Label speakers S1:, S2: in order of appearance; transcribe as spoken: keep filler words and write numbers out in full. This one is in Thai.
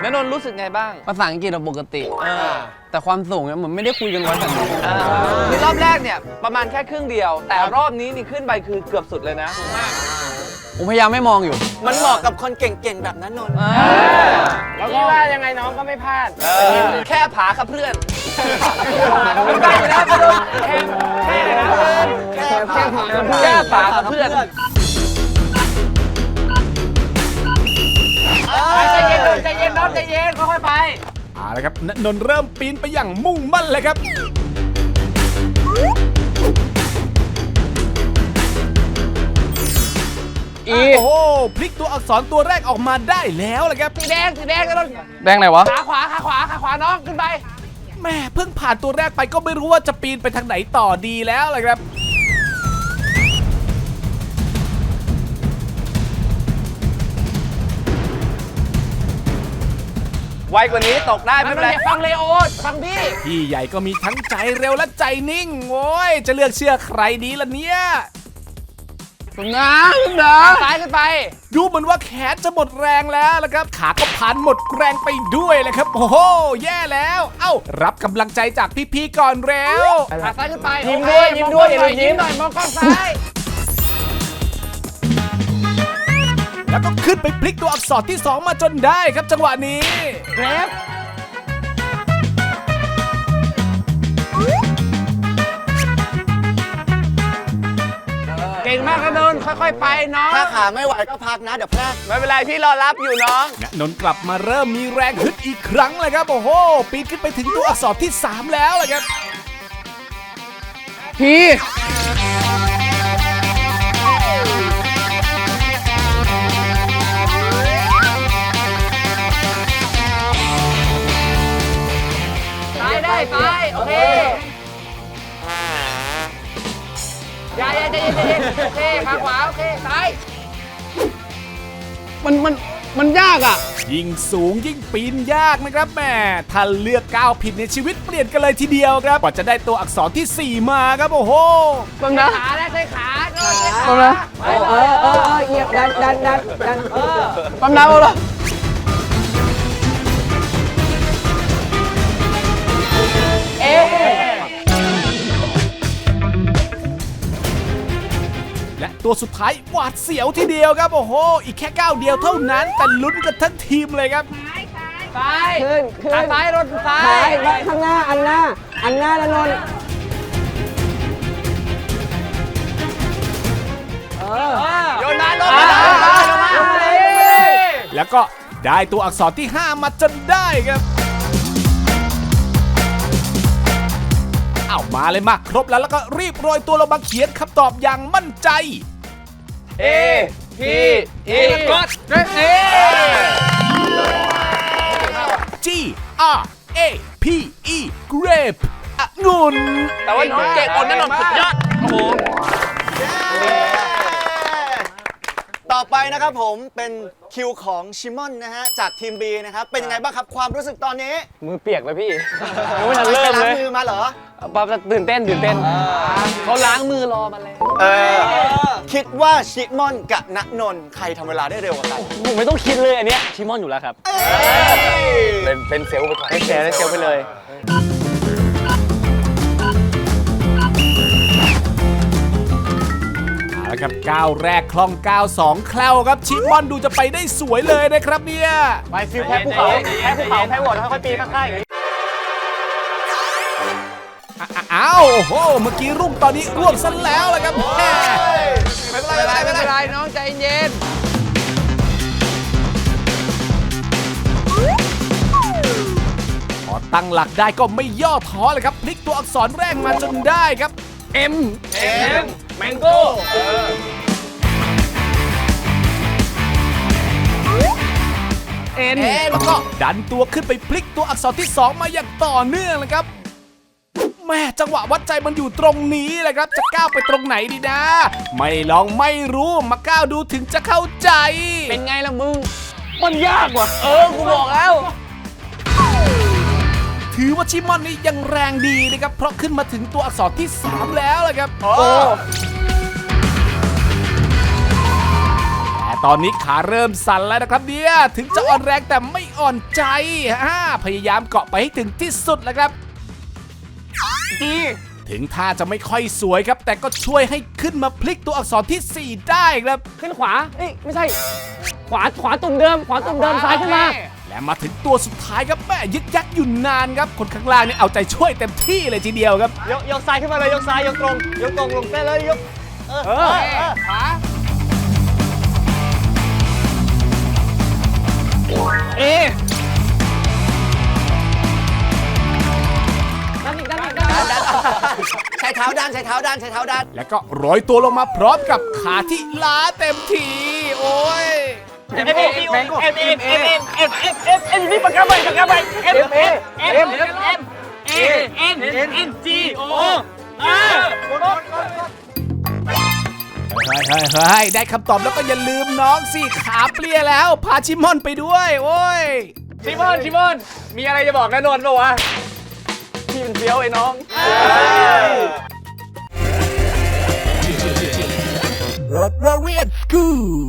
S1: ณนนท์รู้สึกไงบ้าง
S2: ภาษาอังกฤษเราปกติแต่ความสูงเนี่ยเหมือนไม่ได้คุยกันไว้แบบนี้
S1: คือรอบแรกเนี่ยประมาณแค่ครึ่งเดียวแต่รอบนี้นี่ขึ้นไปคือเกือบสุดเลยนะ
S2: ผมพยายามไม่มองอยู่
S3: มันเหมาะกับคนเก่งๆแบบนั้นนนท์
S4: แล้วก็ว่ายังไงน้องก็ไม่พลาด
S1: แค่ผาครับเพื่อนมันได้อยู่แล้วแค่แค่นะแค่แค่ผาแค่ผาครับเพื่อนใจเย็นใจเย็นน้องใจเย็นค่อยๆไป
S5: เอาละครับณนนท์เริ่มปีนไปอย่างมุ่งมั่นเลยครับโอ้โหพลิกตัวอักษรตัวแรกออกมาได้แล้วเลยครับ
S1: สีแดงสีแดงกันต้น
S2: แดงไหนวะ
S1: ขาขวาขาขวาขาขวาน้องขึ้นไป
S5: แม่เพิ่งผ่านตัวแรกไปก็ไม่รู้ว่าจะปีนไปทางไหนต่อดีแล้วเลยครับ
S1: ไวกว่านี้ตกได้ไม่เป็นไรฟังเลโอฟังพี่
S5: พี่ใหญ่ก็มีทั้งใจเร็วและใจนิ่งโว้ยจะเลือกเชื่อใครดีล่ะเนี่ย
S2: คุณนะคุณนะ
S1: ซ้ายขึ้นไป
S5: ดูเหมือนว่าแขนจะหมดแรงแล้วละครับขาก็พันหมดแรงไปด้วยเลยครับโอ้โหแย่แล้วเอ้ารับกำลังใจจากพี่ๆก่อนเร็ว
S1: ขาซ้ายขึ้นไปยิ้มด้วยยิ้มด้วยอย่าลืมยิ้มหน่อยมองกล้องซ้าย
S5: แล้วก็ขึ้นไปพลิกตัวอักษรที่สองมาจนได้ครับจังหวะนี้
S1: เกรฟเก่งมากนะนนท์ค่อยๆไปน้อง
S3: ถ้าขาไม่ไหวก็พักนะเดี๋ยวพลาด
S1: ไม่เป็นไรพี่รอรับอยู่น้อง
S5: นนท์กลับมาเริ่มมีแรงฮึดอีกครั้งเลยครับโอ้โหปีนขึ้นไปถึงตัวอักษรที่สามแล้วเลยครับ
S2: พี่
S1: ได้ไปโอเคอย่าอย่าใจเย็นใจเย็นโอเคขาขวาโอเคซ้าย
S2: มันมันมันยากอ่ะ
S5: ยิ่งสูงยิ่งปีนยากนะครับแม่ถ้าเลือกก้าวผิดในชีวิตเปลี่ยนกันเลยทีเดียวครับกว่าจะได้ตัวอักษรที่สี่มาครับโอ้โห
S2: บังนะ
S1: ขาและใช้ขา
S2: บังนะ
S4: เออเออเออเหยียบดันดันดันดันเออ
S2: บังนะเอาละ
S5: และตัวสุดท้ายหวาดเสียวทีเดียวครับโอ้โหอีกแค่ก้าวเดียวเท่านั้นแต่ลุ้นกันทั้งทีมเลยครับ
S1: ซ้าย
S4: ขึ้นขึ้น
S1: ซ้ายรถซ้าย
S4: ซ้ายข้างหน้าอันหน้าอันหน้าละนนท์
S1: เออโยนมาโยนมาโยนมา
S5: แล้วก็ได้ตัวอักษรที่ห้ามาจนได้ครับเอามาเลยมาครบแล้วแล้วก็รีบโรยตัวลงมาเขียนคำตอบอย่างมั่นใจ
S1: A P E กดเอ
S5: G R A P E grape องุ่น
S1: แต่ว่าน้องเก่งคนนั้นนนท์สุดยอดโอ้โห
S3: ต่อไปนะครับผมเป็นคิวของชิมอนนะฮะจากทีม B นะครับเป็นยังไงบ้างครับความรู้สึกตอนนี้
S2: มือเปียกเลยพี่
S3: ยังไม่ทันเริ่มเลยล้างมือมาเหรอ
S2: ป๊าตื่นเต้นตื่นเต้นเขาล้างมือรอมาแล้ว
S3: คิดว่าชิมอนกับณนนท์ใครทำเวลาได้เร็วกว่ากัน
S2: ผมไม่ต้องคิดเลยอันเนี้ยชิมอนอยู่แล้วครับเป็นเป็นเซลล์ไปก่อนเป็นเซลล์เซลล์ไปเลย
S5: ครับก้าวแรกคล่องก้าวสองแคล่วครับชิมอนดูจะไปได้สวยเลยนะครับเนี่ย
S1: ไปฟิวแพ้ภูเขาแพ้ภูเขาแพ้วอดแล้วค่อยปีนข้างๆอย่างนี้
S5: อ้าวโอ้โหเมื่อกี้รุ่งตอนนี้ร่วงซะแล้วละครับ
S1: ไม่เป็นไรไม่เป็นไรน้องใจเย็น
S5: พอตั้งหลักได้ก็ไม่ย่อท้อเลยครับพลิกตัวอักษรแรกมาจนได้ครับ
S2: M
S1: M Mango
S5: เอ็นแล้วก็ดันตัวขึ้นไปพลิกตัวอักษรที่สองมาอย่างต่อเนื่องเลยครับแม่จังหวะวัดใจมันอยู่ตรงนี้แหละครับจะก้าวไปตรงไหนดีนะไม่ลองไม่รู้มาก้าวดูถึงจะเข้าใจ
S1: เป็นไงล่ะมึงมันยากว่ะเออกูบอกแล้ว
S5: ถือว่าชิมอนนี่ยังแรงดีนะครับเพราะขึ้นมาถึงตัวอักษรที่สามแล้วเลยครับโอ้แต่ตอนนี้ขาเริ่มสั่นแล้วนะครับเนี่ยถึงจะอ่อนแรงแต่ไม่อ่อนใจอ่าพยายามเกาะไปให้ถึงที่สุดแล้วครับถึงท่าจะไม่ค่อยสวยครับ แต่ก็ช่วยให้ขึ้นมาพลิกตัวอักษรที่สี่ได้ครับ
S2: ขึ้นขวาเอ้ยไม่ใช่ ขวาขวาตุ่มเดิม ขวาตุ่มเดิมซ้ายขึ้นมา
S5: และมาถึงตัวสุดท้ายครับแม่ยึกยักอยู่นานครับคนข้างล่างนี่เอาใจช่วยเต็มที่เลยทีเดียวครับ
S3: ยกยกซ้ายขึ้นมาเลยยกซ้ายยกตรงยกตรงลงเส้นเลยยกเออเออขวา
S2: เอดันอีกดันอีกดันอีก
S3: ใช้เท้าด้านใช้เท้าด้านใช้เท้าด้าน
S5: แล้วก็โรยตัวลงมาพร้อมกับขาที่ล้าเต็มทีโอ้ย
S2: เอ็มเอ็มเอ็มเอ็มเอ็มเอ็มเอ็มเอ็มเอ็มเอ็มเอ็มนี่ปากกาใบปากกาใบเอ็มเอ็มเอ็มเอ็มเอ็มเอ็มเอ็มเอ็มเอ็มจีโออาร์
S5: เฮ้ยเฮ้ยเฮ้ยได้คำตอบแล้วก็อย่าลืมน้องสิขาเปลี่ยแล้วพาชิมอนไปด้วยโอ้ย
S2: ชิมอนชิมอนมีอะไรจะบอกนะนนท์ป่าวะพี่เป็นเฟี้ยวไอ้น้อง
S5: รถเราเรียนกู